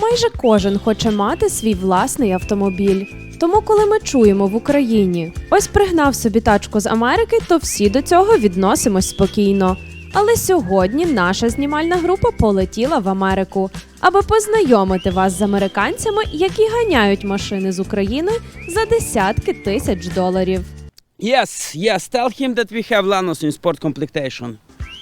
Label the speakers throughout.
Speaker 1: майже кожен хоче мати свій власний автомобіль. Тому коли ми чуємо в Україні «ось пригнав собі тачку з Америки», то всі до цього відносимось спокійно. Але сьогодні наша знімальна група полетіла в Америку, аби познайомити вас з американцями, які ганяють машини з України за десятки тисяч доларів.
Speaker 2: Yes, tell him that we have Lanos in sport completion.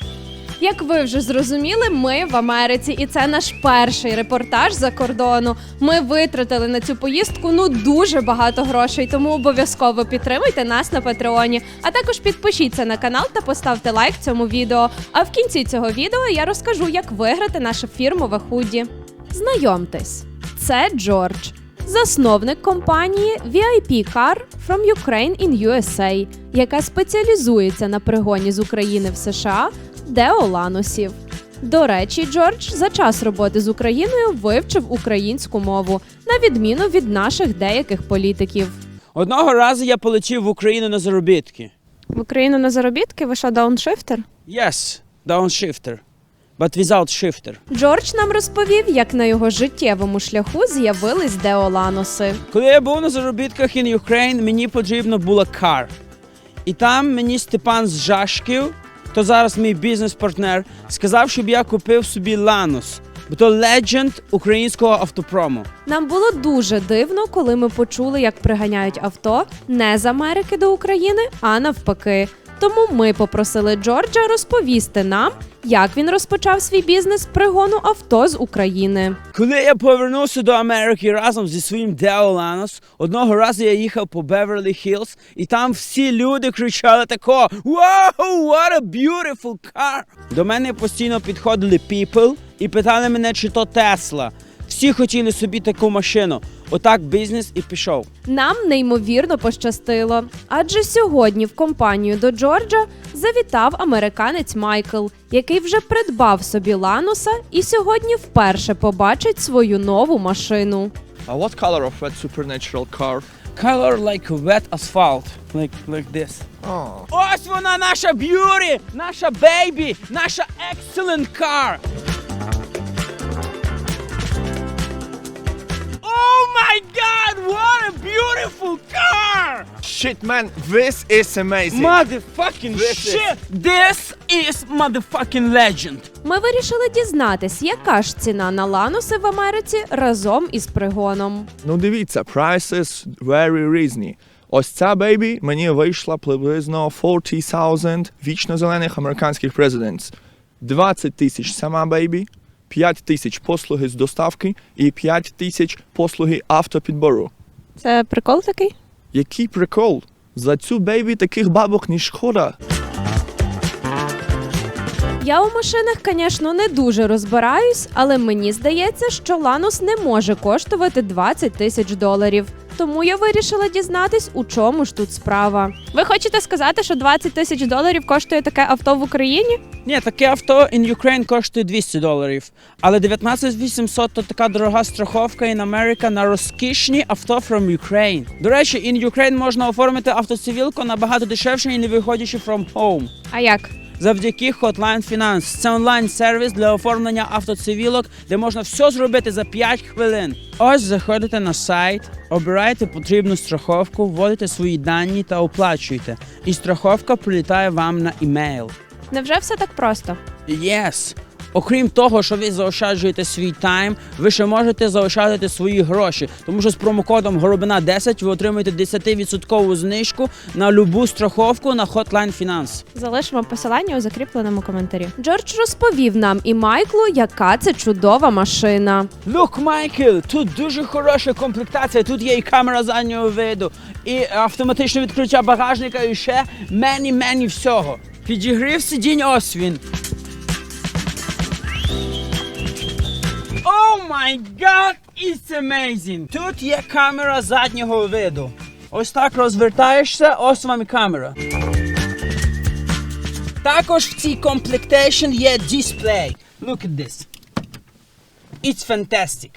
Speaker 1: Як ви вже зрозуміли, ми в Америці, і це наш перший репортаж за кордону. Ми витратили на цю поїздку дуже багато грошей, тому обов'язково підтримуйте нас на Патреоні. А також підпишіться на канал та поставте лайк цьому відео. А в кінці цього відео я розкажу, як виграти наше фірмове худі. Знайомтесь, це Джордж, засновник компанії VIP Car from Ukraine in USA, яка спеціалізується на пригоні з України в США Део Ланосів. До речі, Джордж за час роботи з Україною вивчив українську мову, на відміну від наших деяких політиків.
Speaker 2: Одного разу я полетів в Україну на заробітки.
Speaker 1: В Україну на заробітки? Ви що, дауншифтер?
Speaker 2: Yes, downshifter, but without shifter.
Speaker 1: Джордж нам розповів, як на його життєвому шляху з'явились Део Ланоси.
Speaker 2: Коли я був на заробітках in Ukraine, мені потрібно було кар. І там мені Степан з Жашків, хто зараз мій бізнес-партнер, сказав, щоб я купив собі Ланос, бо то легенд українського автопрому.
Speaker 1: Нам було дуже дивно, коли ми почули, як приганяють авто не з Америки до України, а навпаки. Тому ми попросили Джорджа розповісти нам, як він розпочав свій бізнес пригону авто з України.
Speaker 2: Коли я повернувся до Америки разом зі своїм Део Ланос, одного разу я їхав по Беверлі-Хіллз, і там всі люди кричали тако: «Wow, what a beautiful car!» До мене постійно підходили people і питали мене, чи то Тесла. Всі хотіли собі таку машину. Отак бізнес і пішов.
Speaker 1: Нам неймовірно пощастило, адже сьогодні в компанію до Джорджа завітав американець Майкл, який вже придбав собі Ланоса і сьогодні вперше побачить свою нову машину.
Speaker 3: What color of that supernatural car?
Speaker 2: Color like wet asphalt. Like this.
Speaker 3: Oh.
Speaker 2: Ось вона, наша beauty, наша baby, наша excellent car. Oh my God, what a beautiful car!
Speaker 3: Shit, man, this is amazing.
Speaker 2: Motherfucking shit! This is motherfucking legend.
Speaker 1: Ми вирішили дізнатись, яка ж ціна на Ланоси в Америці разом із пригоном.
Speaker 3: Ну дивіться, prices very rізні. Ось ця бейбі мені вийшла приблизно 40,000 вічно-зелених американських президентс. 20 тисяч сама бейбі, 5 тисяч послуги з доставки і 5 тисяч послуги автопідбору.
Speaker 1: Це прикол такий?
Speaker 3: Який прикол? За цю бейбі таких бабок не шкода.
Speaker 1: Я у машинах, звісно, не дуже розбираюсь, але мені здається, що Ланос не може коштувати 20 тисяч доларів. Тому я вирішила дізнатись, у чому ж тут справа. Ви хочете сказати, що 20 тисяч доларів коштує таке авто в Україні?
Speaker 2: Ні, таке авто in Ukraine коштує $200. Але 19800 – то така дорога страховка in America на розкішні авто from Ukraine. До речі, in Ukraine можна оформити автоцивілку набагато дешевше і не виходячи from home.
Speaker 1: А як?
Speaker 2: Завдяки Hotline Finance. Це онлайн-сервіс для оформлення автоцивілок, де можна все зробити за 5 хвилин. Ось заходите на сайт, обираєте потрібну страховку, вводите свої дані та оплачуєте. І страховка прилітає вам на імейл.
Speaker 1: Невже все так просто?
Speaker 2: Yes! Окрім того, що ви заощаджуєте свій тайм, ви ще можете заощадити свої гроші. Тому що з промокодом Горобина10 ви отримуєте 10% знижку на любу страховку на Hotline Finance.
Speaker 1: Залишимо посилання у закріпленому коментарі. Джордж розповів нам і Майклу, яка це чудова машина.
Speaker 2: Look, Майкл, тут дуже хороша комплектація, тут є і камера заднього виду, і автоматичне відкриття багажника, і ще мені всього. Підігрів сидінь, ось він. Oh my God, it's amazing! Тут є камера заднього виду. Ось так розвертаєшся, ось вам і камера. Також в цій комплектації є дисплей. Look at this. It's fantastic.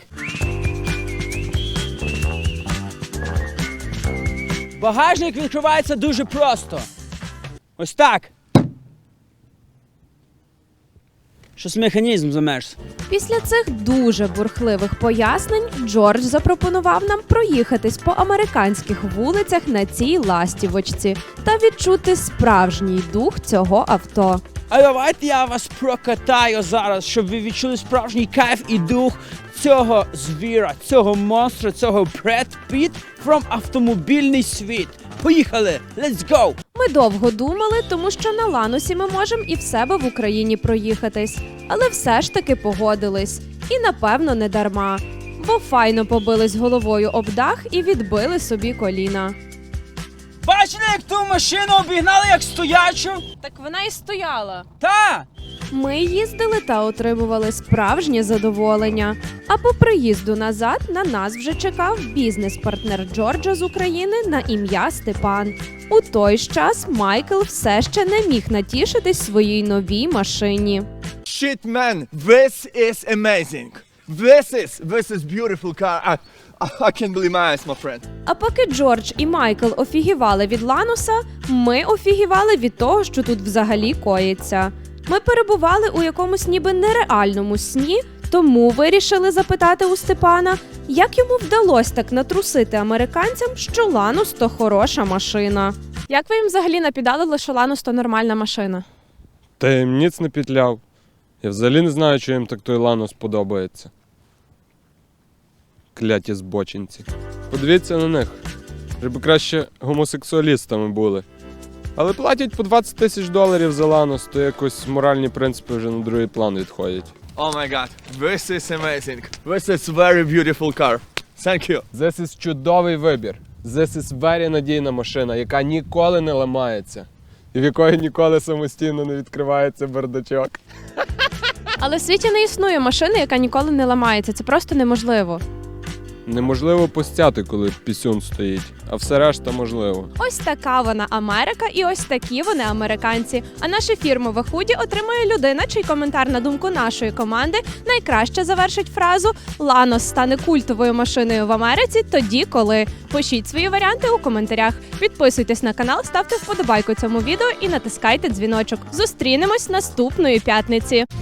Speaker 2: Багажник відкривається дуже просто. Ось так. Щось механізм замерз.
Speaker 1: Після цих дуже бурхливих пояснень Джордж запропонував нам проїхатись по американських вулицях на цій ластівочці та відчути справжній дух цього авто.
Speaker 2: А давайте я вас прокатаю зараз, щоб ви відчули справжній кайф і дух цього звіра, цього монстра, цього Бред Піт from автомобільний світ. Поїхали! Let's go!
Speaker 1: Ми довго думали, тому що на Ланосі ми можемо і в себе в Україні проїхатись. Але все ж таки погодились. І напевно не дарма. Бо файно побились головою об дах і відбили собі коліна.
Speaker 2: Бачили, як ту машину обігнали, як стоячу?
Speaker 1: Так вона і стояла.
Speaker 2: Та!
Speaker 1: Ми їздили та отримували справжнє задоволення. А по приїзду назад на нас вже чекав бізнес-партнер Джорджа з України на ім'я Степан. У той ж час Майкл все ще не міг натішитись своїй новій машині.
Speaker 3: Shit, man, this is amazing. This is beautiful car. I can't believe my eyes, my friend.
Speaker 1: А поки Джордж і Майкл офігівали від Лануса, ми офігівали від того, що тут взагалі коїться. Ми перебували у якомусь ніби нереальному сні, тому вирішили запитати у Степана, як йому вдалося так натрусити американцям, що Ланус – то хороша машина. Як ви їм взагалі напідалили, що Ланус – то нормальна машина?
Speaker 4: Та я їм ніц не петляв. Я взагалі не знаю, чи їм так той Ланос подобається. Кляті збочинці. Подивіться на них. Щоб краще гомосексуалістами були. Але платять по $20,000 за Ланос, то якось моральні принципи вже на другий план відходять.
Speaker 3: Oh my god, this is amazing. This is very beautiful car. Thank you.
Speaker 4: This is чудовий вибір. This is very надійна машина, яка ніколи не ламається. І в якої ніколи самостійно не відкривається бардачок.
Speaker 1: Але в світі не існує машини, яка ніколи не ламається. Це просто неможливо.
Speaker 4: Неможливо постяти, коли пісюн стоїть, а все решта можливо.
Speaker 1: Ось така вона Америка і ось такі вони американці. А наше фірмове худі отримує людина, чий коментар на думку нашої команди найкраще завершить фразу «Ланос стане культовою машиною в Америці тоді, коли». Пишіть свої варіанти у коментарях. Підписуйтесь на канал, ставте вподобайку цьому відео і натискайте дзвіночок. Зустрінемось наступної п'ятниці.